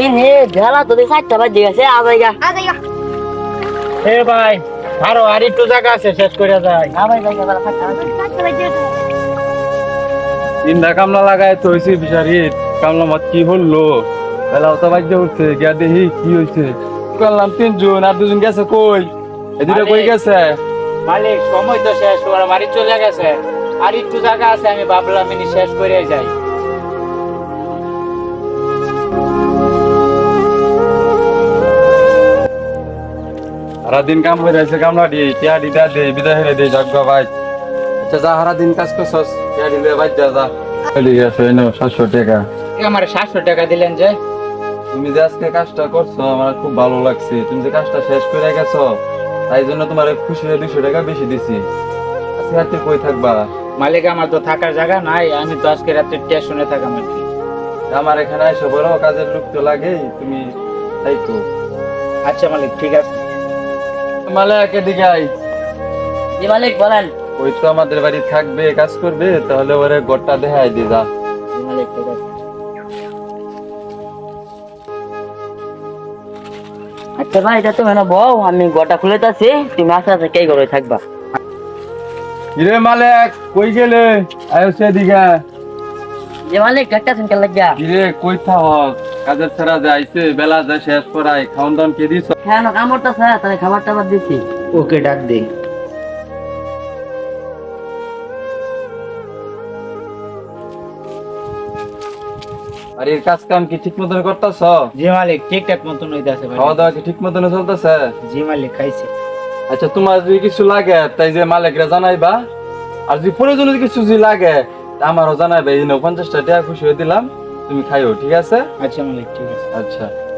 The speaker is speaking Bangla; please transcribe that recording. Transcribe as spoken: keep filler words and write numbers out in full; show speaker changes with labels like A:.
A: দিন হে ঢালা তো দেখ সাতটা বাজে গেছে আজাইগা
B: আজাইগা
C: এ ভাই আরো আর একটু জায়গা আছে শেষ করে যায়
A: আবার যাইগা বড় সাতটা বাজে
B: সাতটা বাজে
D: তিনটা কামলা লাগায় তো হয়েছে বিচারি কামলা মত কি হলো বেলা অত বাজে উঠছে গিয়া দেখি কি হয়েছে করলাম তিনজন আর দুজন গেছে কই এদিকে কই গেছে
C: মালিক সময় তো শেষ ওরা বাড়ি চলে গেছে আর একটু জায়গা আছে আমি ভাবলাম ইনি শেষ করে যাই
D: সারা দিন কাম করে আছে কামলা দিয়ে টিয়া দিদা দে বিদায় হয়ে দে যাক ভাই আচ্ছা যা সারা দিন কাজ করছস টিয়া দিলে বাজ যা যা চলে গেছে এনো সাতশো টাকা
C: আমার সাতশো টাকা দিলেন যে
D: তুমি যে আজকে কাজটা করছো আমার খুব ভালো লাগছে তুমি যে কাজটা শেষ করে গেছো তাই জন্য তোমার খুশি হয়ে দুশো টাকা বেশি দিছি আজকে রাতে কই থাকবা
C: মালিক আমার তো থাকার জায়গা নাই আমি তো আজকে রাত্রে স্টেশনে থাকাম আর কি
D: আমার এখানে এসে বড় কাজের লোক তো লাগেই তুমি তাই তো
C: আচ্ছা মালিক ঠিক আছে
D: মালিক এদিকে আই
A: জি মালিক বলেন
D: ওই তো আমাদের বাড়ি থাকবে কাজ করবে তাহলে ওরে ঘরটা দেখাই দি যা
A: জি মালিক ঠিক আছে আচ্ছা ভাই এটা তুমি না বউ আমি গোটা খুলে তাছি তুমি আস্তে আস্তে কে করে থাকবা
D: কিরে মালিক কই গেলে আয়ো সেদিকে
A: জি মালিক একটা সিনকে লাগিয়া
D: কিরে কই থাক কাজের ছাড়া যাইছে বেলা যা শেষ করাই খাওন দাওন কে দিছ
A: হ্যাঁ না কামড়টা স্যার তাই খাবার টাবার দিছি
C: ওকে ডাক দে
D: আর এর কাজ কাম কি ঠিক মতন করতেছ
C: জি মালিক ঠিকঠাক মতন হইতাছে ভাই
D: খাওয়া দাওয়া কি ঠিক মতন চলতেছে
C: জি মালিক খাইছে
D: আচ্ছা তোমার যদি কিছু লাগে তাই যে মালিকরা জানাইবা আর যদি প্রয়োজন কিছু যদি লাগে তা আমারও জানাইবা এই পঞ্চাশটা টাকা খুশি হয়ে দিলাম তুমি খাইও ঠিক আছে
C: আচ্ছা মালিক ঠিক আছে
D: আচ্ছা